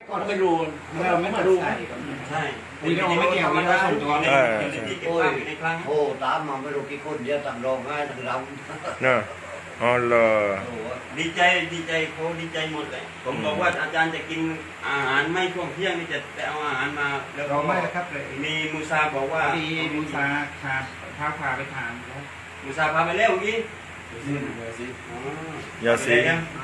ก็ไม่รู้เราไม่รู้ใช่นี่เราไม่เกี่ยวกันแล้วโอ้ยโอ้ตามมาไม่รู้กี่คนเยอะต่างร้องไห้ต่างรำเนอะอ๋อเหรอดีใจเขาดีใจหมดเลยผมบอกว่าอาจารย์จะกินอาหารไม่ช่วงเที่ยงนี่จะเอาอาหารมาแล้วเราไม่ครับเลยมีมูซาบอกว่ามูซาพาไปทานมูซาพาไปแล้วเมื่อกี้ยาซี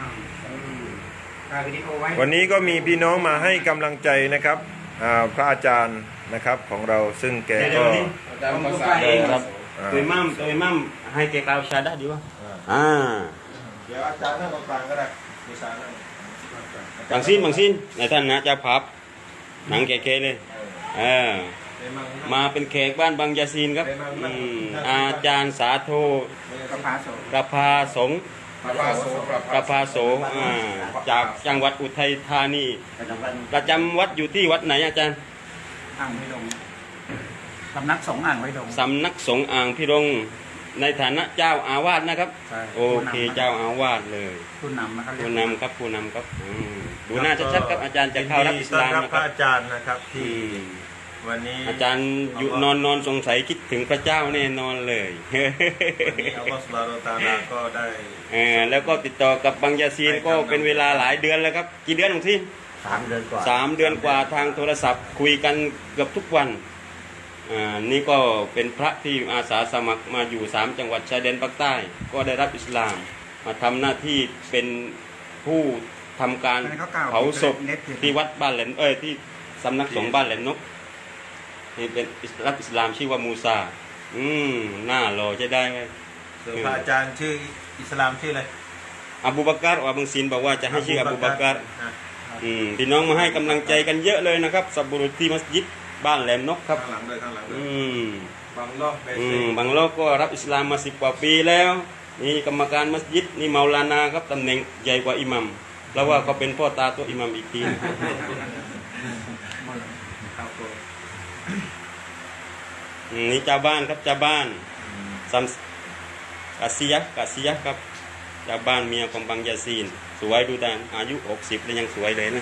วันนี้ก็มีพี่น้องมาให้กำลังใจนะครับพระอาจารย์นะครับของเราซึ่งแกก็ครับตัวมั่มให้แกกล่าวชาดะดีวะเดี๋ยวอาจารย์นั่งตรงกลางก็ได้มูซานั่งบางสิ้นในท่านนะจะพับหนังแก่ๆเลยมาเป็นแขกบ้านบางยาซีนครับอาจารย์สาโทกพาสงกพาโสจากจังหวัดอุทัยธานีประจำวัดอยู่ที่วัดไหนอาจารย์อ่างพิรงสำนักสงฆ์อ่างพิรงสำนักสงฆ์อ่างพิรงในฐานะเจ้าอาวาสนะครับโอเคเจ้าอาวาสเลยผู้นำนะครับผู้นำครับดูหน้าชัดๆครับอาจารย์จะเข้ารับอิสลามนะครับอาจารย์นะครับที่วันนี้อาจารย์อยู่นอนสงสัยคิดถึงพระเจ้าแน่นอนเลยวันนี้อัลลอฮฺซุบฮานะฮูวะตะอาลาก็ได้แล้วก็ติดต่อกับบางยาซีนก็เป็นเวลาหลายเดือนแล้วครับกี่เดือนของที่ 3 เดือนกว่า 3 เดือนกว่าทางโทรศัพท์คุยกันเกือบทุกวันนี่ก็เป็นพระที่อาสาสมัครมาอยู่3 จังหวัดชายแดนภาคใต้ก็ได้รับอิสลามมาทำหน้าที่เป็นผู้ทำการเผาศพที่วัดบ้านแหลมที่สำนักสงฆ์บ้านแหลมนกนี่เป็นรับอิสลามชื่อว่ามูซาหน้าหล่อจะได้ไหมพระอาจารย์ชื่ออิสลามชื่ออะไรอบูบักรบางซีนบอกว่าจะให้ชื่ออบูบักรพี่น้องมาให้กำลังใจกันเยอะเลยนะครับสับบุรุษที่มัสยิดบ้านแหลมนกครับข้างหลังด้วยบางโลกก็รับอิสลามมา10 กว่าปีแล้วนี่กรรมการมัสยิดนี่เมาลานาครับตำแหน่งใหญ่กว่าอิหมัมเพราะว่าเขาเป็นพ่อตาตัวอิหมัมอีกทีนี่เจ้าบ้านครับเจ้าบ้านซัมกาซิยะครับเจ้าบ้านเมียของบางยาซีนสวยดูแต่อายุ60แล้วยังสวยเลยนะ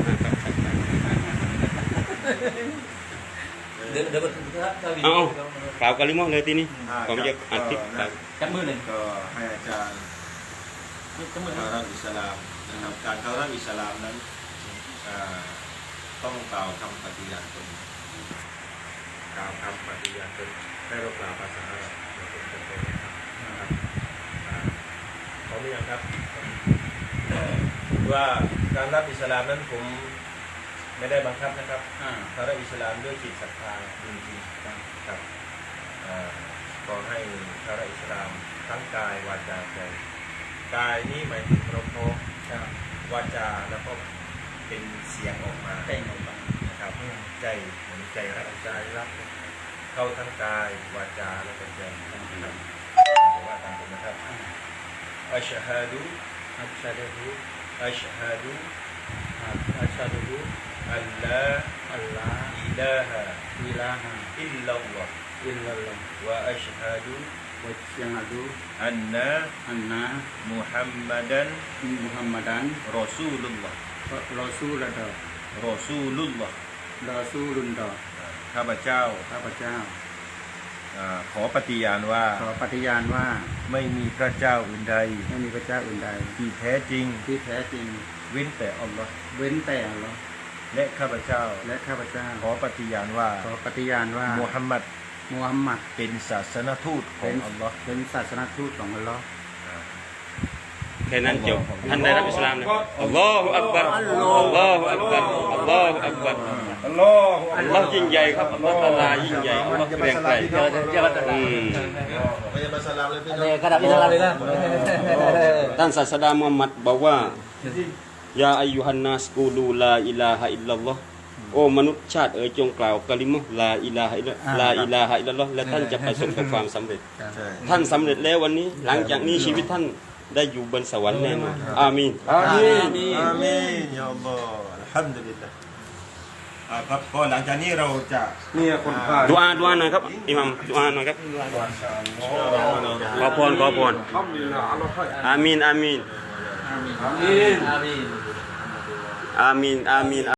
เอากล่าวกะลิมอเลยทีนี้ผมจะอัดคลิปจับมือเลยก็ให้อาจารย์เข้ารับอิสลามนะครับการเข้ารับอิสลามนั้นต้องกล่าวคำปฏิญาณตนให้เรากล่าวภาษาอาหรับนะครับขออนุญาตครับว่าการรับอิสลามนั้นผมไม่ได้บังคับนะครับเขารับอิสลามด้วยจิตศรัทธาจริงๆครับขอให้เขารับอิสลามทั้งกายวาจาใจกายนี้หมายถึงเราโพวาจาแล้วก็เป็นเสียงออกมานะครับใจเหมือนใจรักเข้าทั้งกายวาจาและก็ใจนะครับว่าตามผมนะครับอัชฮะดูอัลลาอิลาฮะอิลลัลลอฮ์วะอัชฮะดูอันนะมุฮัมมัดันรอซูลุลลอฮ์ข้าพเจ้าขอปฏิญาณว่าไม่มีพระเจ้าอื่นใดที่แท้จริงเว้นแต่อัลลอฮ์และข้าพเจ้าขอปฏิญาณว่ามุฮัมมัดเป็นศาสนทูตของอัลลอฮ์แค่นั้นจบท่านได้รับอิสลามนะอัลลอฮฺอักบัรอัลลอฮฺอักบัรอัลลอฮฺอักบัรอัลลอฮฺยิ่งใหญ่ครับอัลลอฮฺตะอาลายิ่งใหญ่อัลลอฮฺเกรียงไกรท่านศาสดามุฮัมมัดบอกว่ายาอายุฮันนัสกูลูลาอิลาฮะอิลลัลลอฮ์โอ้มนุษย์ชาติจงกล่าวกะลิมะห์ลาอิลาฮะอิลลัลลอฮ์และท่านจะประสบกับความสำเร็จท่านสำเร็จแล้ววันนี้หลังจากนี้ชีวิตท่านได้อยู่บนสวรรค์แน่นอนอามีนยาอัลลอฮ์อัลฮัมดุลิลลาห์ครับก็หลังจากนี้เราจะดุอาหน่อยครับอิหมัมดุอาหน่อยครับขอพรอามีน